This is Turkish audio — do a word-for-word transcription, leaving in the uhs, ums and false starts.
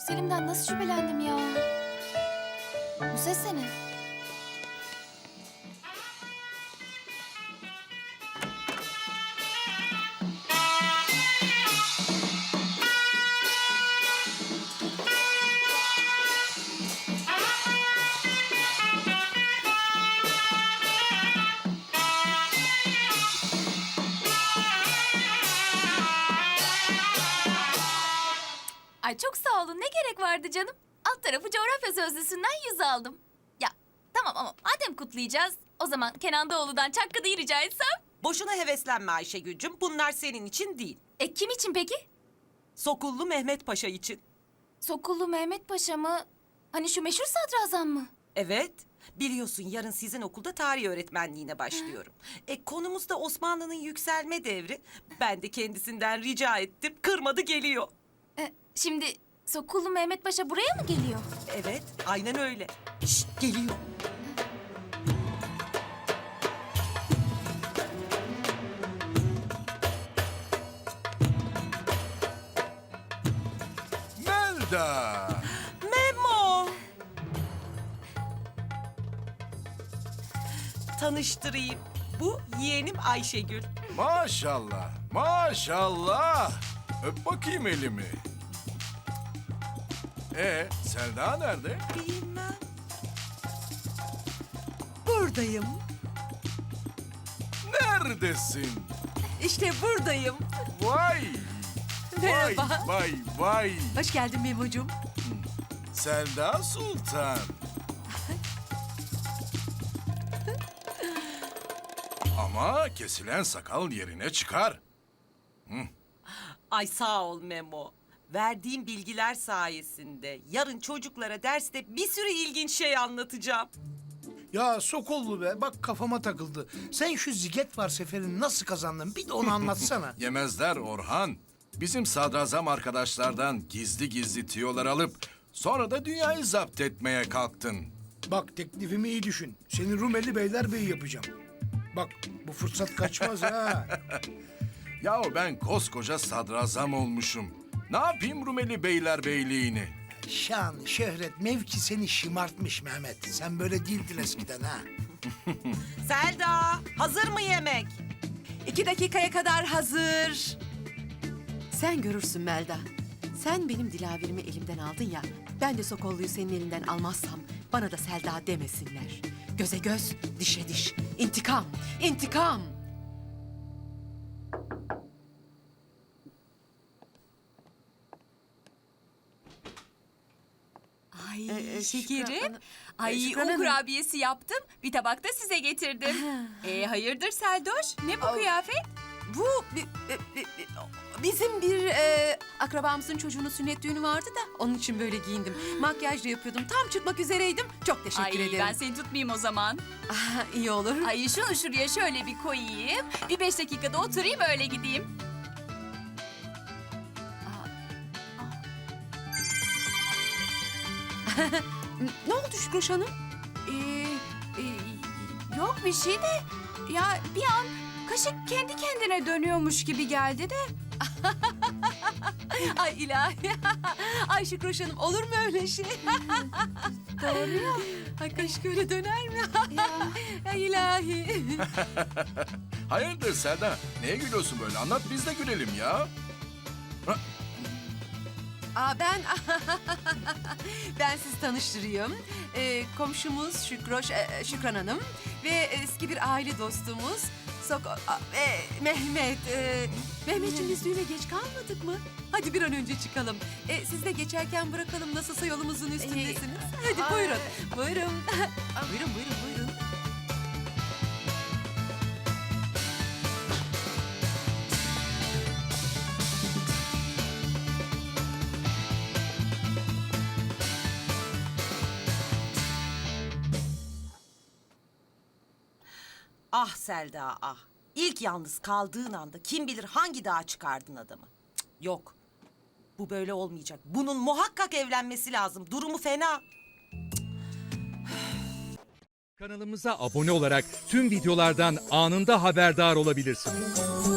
Selim'den nasıl şüphelendim ya? Bu ses ne? Ay çok sağ olun. Ne gerek vardı canım? Alt tarafı coğrafya sözlüsünden yüz aldım. Ya tamam ama madem kutlayacağız, o zaman Kenan Doğulu'dan Çakkı'yı rica etsem. Boşuna heveslenme Ayşegül'cüm. Bunlar senin için değil. E kim için peki? Sokullu Mehmet Paşa için. Sokullu Mehmet Paşa mı? Hani şu meşhur sadrazam mı? Evet. Biliyorsun yarın sizin okulda tarih öğretmenliğine başlıyorum. E konumuz da Osmanlı'nın yükselme devri. Ben de kendisinden rica ettim. Kırmadı geliyor. E, şimdi Sokullu Mehmet Paşa buraya mı geliyor? Evet, aynen öyle. Şşt, geliyor. Melda! Memo! Tanıştırayım. Bu yeğenim Ayşegül. Maşallah, maşallah. Öp bakayım elimi. Ee, Selda nerede? Bilmem. Buradayım. Neredesin? İşte buradayım. Vay! Merhaba. Vay, vay, vay. Hoş geldin Memo'cum. Selda Sultan. Ama kesilen sakal yerine çıkar. Ay sağ ol Memo. Verdiğim bilgiler sayesinde yarın çocuklara derste bir sürü ilginç şey anlatacağım. Ya Sokollu be, bak kafama takıldı. Sen şu ziget var seferini nasıl kazandın? Bir de onu anlatsana. Yemezler Orhan. Bizim sadrazam arkadaşlardan gizli gizli tiyolar alıp sonra da dünyayı zapt etmeye kalktın. Bak teklifimi iyi düşün. Seni Rumeli Beylerbeyi yapacağım. Bak bu fırsat kaçmaz ha. Yahu ben koskoca sadrazam olmuşum. Ne yapayım Rumeli Beylerbeyliğini? Şan, şöhret, mevki seni şımartmış Mehmet. Sen böyle değildin eskiden ha. Selda, hazır mı yemek? İki dakikaya kadar hazır. Sen görürsün Melda. Sen benim dilaverimi elimden aldın ya. Ben de Sokollu'yu senin elinden almazsam bana da Selda demesinler. Göze göz, dişe diş. İntikam, intikam. Ay Ee, şekerim. Şükran- Ay Şükran un Hanım. kurabiyesi yaptım. Bir tabak da size getirdim. e hayırdır Seldoş? Ne bu kıyafet? Bu bi- bi- bi- bi- bizim bir e, akrabamızın çocuğunun sünnet düğünü vardı da onun için böyle giyindim. Makyaj da yapıyordum. Tam çıkmak üzereydim. Çok teşekkür Ay ederim. ben seni tutmayayım o zaman. Ah, iyi olur. Ay şunu şuraya şöyle bir koyayım. Bir beş dakikada oturayım öyle gideyim. Ne oldu Şükroş Hanım? Ee, e, yok bir şey de ya bir an kaşık kendi kendine dönüyormuş gibi geldi de. Ay ilahi. Ay Şükroş Hanım olur mu öyle şey? Doğru ya. Ay kaşık öyle döner mi? ya. Ay ilahi. Hayırdır Selda? Neye gülüyorsun böyle? Anlat biz de gülelim ya. Aa, ben ben sizi tanıştırayım. Ee, komşumuz Şükroş, e, Şükran Hanım ve eski bir aile dostumuz Sok a- e, Mehmet. E, Mehmetciğim biz düğüne geç kalmadık mı? Hadi bir an önce çıkalım. E, siz de geçerken bırakalım nasılsa yolumuzun üstündesiniz. Hadi ay. buyurun. Buyurun. buyurun buyurun buyurun. Ah Selda ah. İlk yalnız kaldığın anda kim bilir hangi dağa çıkardın adamı. Cık, yok. Bu böyle olmayacak. Bunun muhakkak evlenmesi lazım. Durumu fena. Kanalımıza abone olarak tüm videolardan anında haberdar olabilirsiniz.